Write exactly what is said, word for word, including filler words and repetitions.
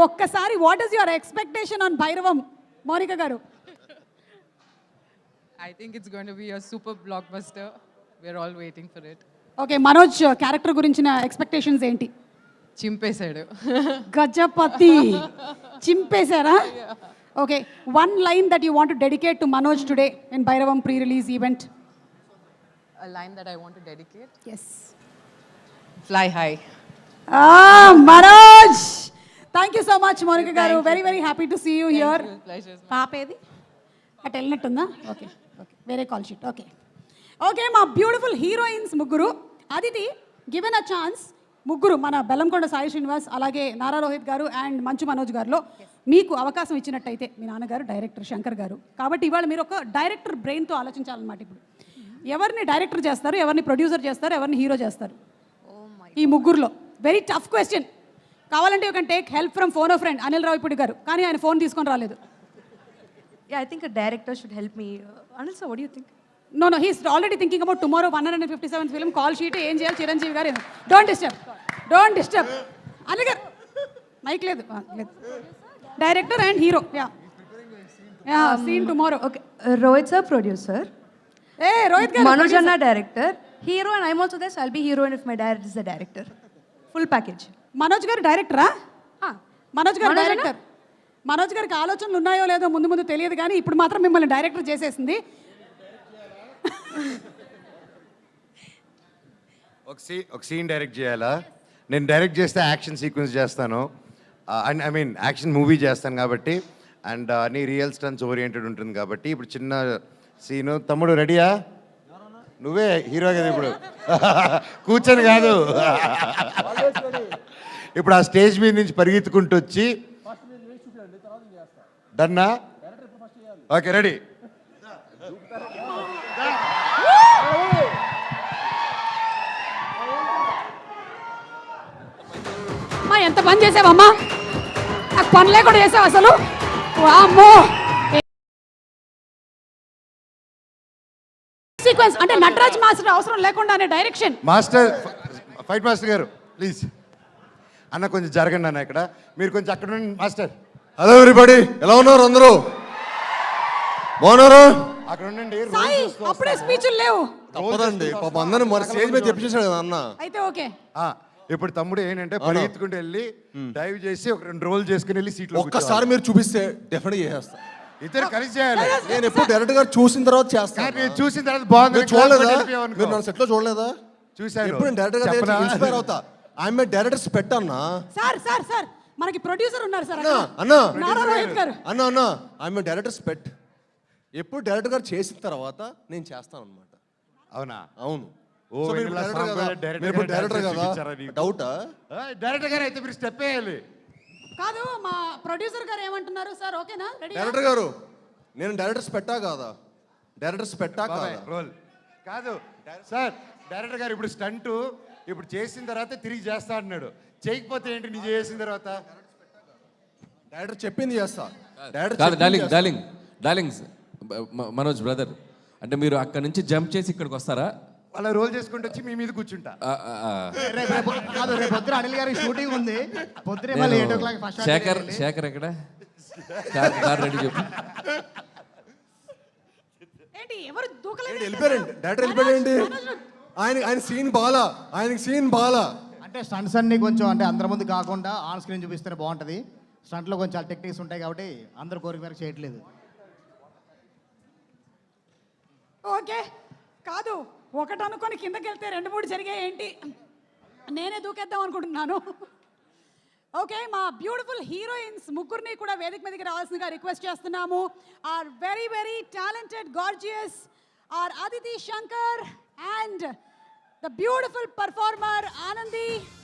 ఒక్కసారి what is your expectation on Bhairavam Mounika గారు? I think it's going to be a super blockbuster. We're all waiting for it. Okay, Manoj character గురించిన expectations ఏంటి? చింపేశాడు. గజపతి చింపేశారా? Okay, one line that you want to dedicate to Manoj today in Bhairavam pre release event. A line that I want to dedicate. Yes. Fly high. Ah, Manoj! Thank you so much, Monica garu. Very, very happy to see you here. Thank you. Pleasure. పాప ఏది? అటు వెళ్ళినట్టుందా? Okay okay, వేరే call sheet. Okay okay, మా beautiful heroines ముగ్గురు. Aditi, given a chance, ముగ్గురు మన బెల్లంకొండ సాయి శ్రీనివాస్, అలాగే నారా రోహిత్ గారు అండ్ మంచు మనోజ్ గారిలో మీకు అవకాశం ఇచ్చినట్టయితే, మీ నాన్నగారు డైరెక్టర్ శంకర్ గారు కాబట్టి ఇవాళ మీరు ఒక డైరెక్టర్ బ్రెయిన్తో ఆలోచించాలన్నమాట. ఇప్పుడు ఎవరిని డైరెక్టర్ చేస్తారు, ఎవరిని ప్రొడ్యూసర్ చేస్తారు, ఎవరిని హీరో చేస్తారు? ఈ ముగ్గురులో వెరీ టఫ్ క్వశ్చన్. కావాలంటే you can take help from phone of friend Anil Ravipudi గారు, కానీ ఆయన ఫోన్ తీసుకొని రాలేదు. Yeah, I think a director should help me. Uh, Anil sir, what do you think? No, no, he's already thinking about tomorrow one hundred fifty-seventh film, call sheet, ఏం చేయాలి చిరంజీవి గారు. Don't disturb, don't disturb. Anil గారు mike లేదు, లేదు. Director and hero, ya ya scene tomorrow. Okay, uh, Rohit sir, producer. ఏ రోహిత్ గారు, Manoj Anna, director. Hero, and I'm also there, so I'll be heroine if my dad is the director. Full package. Manoj గారు డైరెక్టరా? Ah, Manoj గారు director. Manoj గారికి ఆలోచనలు ఉన్నాయో లేదో ముందు ముందు తెలియదు, కానీ ఇప్పుడు మాత్రం మిమ్మల్ని డైరెక్టర్ చేసేసింది. ఒక సీ ఒక సీన్ డైరెక్ట్ చేయాలా? నేను డైరెక్ట్ చేస్తే యాక్షన్ సీక్వెన్స్ చేస్తాను, and I mean action movie చేస్తాను కాబట్టి, అండ్ అన్ని రియల్ స్టన్స్ ఓరియంటెడ్ ఉంటుంది కాబట్టి. ఇప్పుడు చిన్న సీను, తమ్ముడు రెడీయా? నువ్వే హీరో కదా ఇప్పుడు, కూర్చొని కాదు. ఇప్పుడు ఆ స్టేజ్ మీద నుంచి పరిగెత్తుకుంటూ వచ్చి, డన్నా? Okay, ready. అమ్మా, ఎంత పని చేసావమ్మా, నాకు పనులే కూడా చేసావు అసలు. వామ్మో, సీక్వెన్స్ అంటే నటరాజ్ మాస్టర్ అవసరం లేకుండానే డైరెక్షన్. మాస్టర్, ఫైట్ మాస్టర్ గారు ప్లీజ్. అన్న కొంచెం జరగండి అన్న, ఇక్కడ మీరు కొంచెం అక్కడ ఉండండి. మాస్టర్, హలో ఎవ్రీబడి, ఎలా ఉన్నారు అందరూ? బాగున్నారా? అక్కడ ఉండండి. సాయి, అప్పుడే స్పీచ్లు లేవు. తప్పదండి, పాప అందరిని మన స్టేజ్ మీద తెప్పించేసాడు కదా అన్న. అయితే ఓకే. ఇప్పుడు తమ్ముడు ఏంటంటే పరిగెత్తుకుంటూ వెళ్ళి డైవ్ చేసి ఒక రెండు రోల్ చేసుకుని వెళ్ళి సీట్లో ఒక్కసారి మీరు చూపిస్తే డెఫినెట్ చేసేస్తా. ఇద్దరు కలిసి చేయాలి. నేను ఎప్పుడు డైరెక్ట్ గా చూసిన తర్వాత చేస్తాను. నేను చూసిన తర్వాత బాగుంది. చూడలేదా? మీరు నన్ను సెట్ లో చూడలేదా? చూసాను. ఎప్పుడు డైరెక్ట్ గా ఇన్స్పైర్ అవుతా. ఐఎమ్ ఏ డైరెక్టర్స్ పెట్టన్నా. సార్ సార్ సార్ మనకి ప్రొడ్యూసర్ ఉన్నారు సార్. అన్నా నారా రోహిత్ గారు. అన్నా అన్నా ఐఎమ్ ఏ డైరెక్టర్స్ పెట్. ఎప్పుడు డైరెక్టర్ గారు చేసిన తర్వాత నేను చేస్తాను అనమాట. అవునా? అవును. డైరెక్టర్ డౌటా? డైరెక్టర్ గారు అయితే మీరు స్టెప్ వేయాలి. కాదు, మా ప్రొడ్యూసర్ గారు ఏమంటున్నారు సార్? ఓకేనా? రెడీ? డైరెక్టర్ గారు, నేను డైరెక్టర్స్ పెట్టా కాదా? డైరెక్టర్స్ పెట్టా కాదా? రోల్ కాదు సార్. డైరెక్టర్ గారు ఇప్పుడు స్టంట్ ఇప్పుడు చేసిన తర్వాత తిరిగి చేస్తా అన్నాడు. చేయకపోతే ఏంటి? నీ చేసిన తర్వాత డైరెక్టర్ చెప్పింది చేస్తా. Darling darling darlings Manoj brother, అంటే మీరు అక్కడ నుంచి జంప్ చేసి ఇక్కడికి వస్తారా? అలా రోల్ చేసుకుంటూ వచ్చి మీ మీద కూర్చుంటా. కాదు, రేపు పొద్దున అనిల్ గారి షూటింగ్ ఉంది. పొద్దునే మళ్ళీ eight o'clock first Shekhar Shekhar ఎక్కడ? కార్ రెడీ చెప్పు. ఏంటి ఎవరు దూకలేదు? వెళ్ళిపోయారండి, డైరెక్టర్ వెళ్ళిపోయారండి. ఆయన ఆయన సీన్ బాలా, ఆయనకి సీన్ బాలా. అంటే స్టంట్స్ అన్ని కొంచెం అంటే అందరి ముందు కాకుండా ఆన్ స్క్రీన్ చూపిస్తేనే బాగుంటుంది. స్టంట్లో కొంచెం చాలా టెక్నిక్స్ ఉంటాయి కాబట్టి అందరు కోరిక మేరకు చేయట్లేదు. ఓకే, కాదు ఒకటి అనుకొని కిందకి వెళ్తే రెండు మూడు జరిగాయి ఏంటి? నేనే దూకేద్దాం అనుకుంటున్నాను. ఓకే, మా బ్యూటిఫుల్ హీరోయిన్స్ ముగ్గురిని కూడా వేదిక మీదకి రావాల్సిందిగా రిక్వెస్ట్ చేస్తున్నాము. Are very very talented, gorgeous are Aditi Shankar and the beautiful performer Anandi.